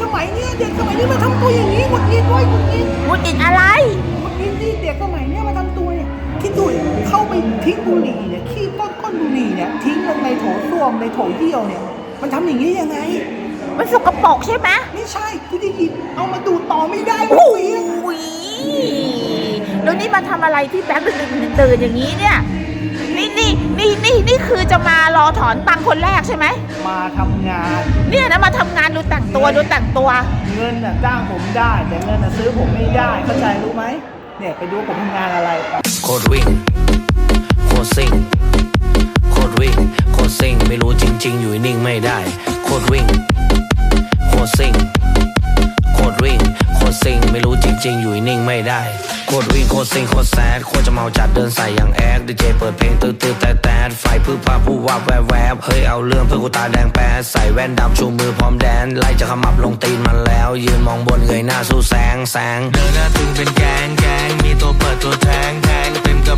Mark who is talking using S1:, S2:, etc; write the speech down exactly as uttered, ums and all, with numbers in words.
S1: สมัยเนี้ยเด็กสมัยนี้มาทำตัวอย่างนี้หงุดหงิดด้วยหงุดหงิด
S2: หงุดหงิดอะไร
S1: หงุดหงิดที่เด็กสมัยเนี้ยมาทำตัวเนี่ยคิดดูเข้าไปทิ้งบุหรี่เนี่ยขี้ก้นก้นบุหรี่เนี่ยทิ้งลงในโถส้วมในโถเยี่ยวเนี่ยมันทำอย่างนี้ยังไง
S2: มันสกปรกใช่ไหม
S1: ไม่ใช่ที่ได้ยินเอามาดูต่อไม่ได้
S2: โอ้
S1: เสีย
S2: ยแล้วนี่มาทำอะไรที่แบงค์ดึกๆตื่นๆอย่างนี้เนี่ยนี่นี่นี่นี่นี่คือจะมารอถอนตังค์คนแรกใช่ไหม
S1: มาทำงาน
S2: เนี่ยนะมาทำงานดูแต่งตัวดูแต่งตัว
S1: เงินน่ะจ้างผมได้แต่เงินน่ะซื้อผมไม่ได้เข้าใจรู้ไหมเนี่ยไปดูผมทำงานอะไร
S3: โคตรวิ่งโคตรซิ่งโคตรวิ่งโคตรซิ่งไม่รู้จริงๆอยู่นิ่งไม่ได้โคตรวิ่งโคตรซิ่งโคตรวิ่งโคตรซิ่งไม่รู้จริงๆอยู่นิ่งไม่ได้โคตรวิ่งโคตรซิ่งโคตรแซดโคตรจะเมาจัดเดินใส่อย่างแอดดีเจเปิดเพลงตื้อตื้อแต่แต่ไฟพื้นผ้าผู้ว่าแวบแวบเฮ้ยเอาเรื่องเพื่อกูตาแดงแป๊ดใส่แว่นดำชูมือพร้อมแดนไล่จะขมับลงตีนมันแล้วยืนมองบนเงยหน้าสู้แสงแสงเดินหน้าตึงเป็นแกงแกงมีตัวเปิดตัวแทงแทงเต็มก